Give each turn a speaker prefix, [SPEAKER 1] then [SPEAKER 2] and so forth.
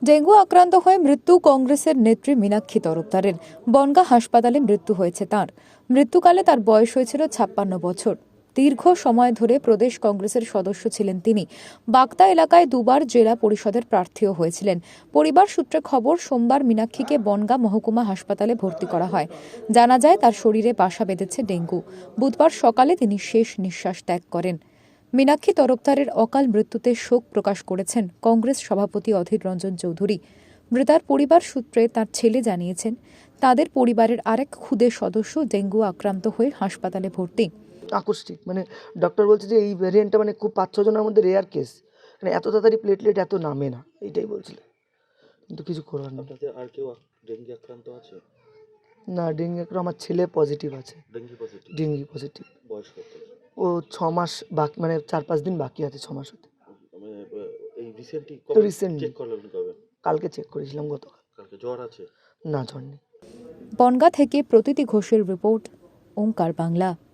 [SPEAKER 1] Dengue আক্রান্ত হয়ে মৃত্যু কংগ্রেসের নেত্রী মীনাক্ষী তরফদারের। বনগাঁ হাসপাতালে মৃত্যু হয়েছে তাঁর। মৃত্যুকালে তার বয়স হয়েছিল 56 বছর। দীর্ঘ সময় ধরে প্রদেশ কংগ্রেসের সদস্য ছিলেন তিনি। বাগদা এলাকায় দুবার জেলা পরিষদের প্রার্থীও হয়েছিলেন। পরিবার সূত্রে খবর, সোমবার মীনাক্ষীকে বনগাঁ মহকুমা হাসপাতালে ভর্তি করা হয়। জানা যায় তার শরীরে বাসা বেঁধেছে ডেঙ্গু। বুধবার সকালে তিনি শেষ নিঃশ্বাস ত্যাগ করেন। মীনাক্ষী তরফদারের অকাল মৃত্যুতে শোক প্রকাশ করেছেন কংগ্রেস সভাপতি অধীর রঞ্জন চৌধুরী। মৃতার পরিবার সূত্রে তার ছেলে জানিয়েছেন, তাদের পরিবারের আরেক খুদে সদস্য ডেঙ্গু আক্রান্ত হয়ে হাসপাতালে ভর্তি।
[SPEAKER 2] আকস্মিক ডক্টর বলছে যে এই ভ্যারিয়েন্টটা খুব 5-6 জনের মধ্যে রেয়ার কেস, এত তাড়াতাড়ি প্লেটলেট এত নামে না, এইটাই বলছিল। কিন্তু কিছু করার নেই।
[SPEAKER 3] আপনাদের আর কেউ ডেঙ্গি আক্রান্ত আছে?
[SPEAKER 2] না, ডেঙ্গি আমার ছেলে পজিটিভ আছে। Dengue positive.
[SPEAKER 3] বয়স কত?
[SPEAKER 2] ও 6 মাস বাকি, 4-5 দিন বাকি আছে 6 মাস হতে।
[SPEAKER 3] এই রিসেন্টলি
[SPEAKER 2] চেক
[SPEAKER 3] করলেন কবে?
[SPEAKER 2] কালকে চেক করেছিলাম, গতকাল।
[SPEAKER 3] কালকে জ্বর আছে?
[SPEAKER 2] না, জ্বর নেই।
[SPEAKER 1] বনগাঁ থেকে প্রতীতি ঘোষের রিপোর্ট, ওঙ্কার বাংলা।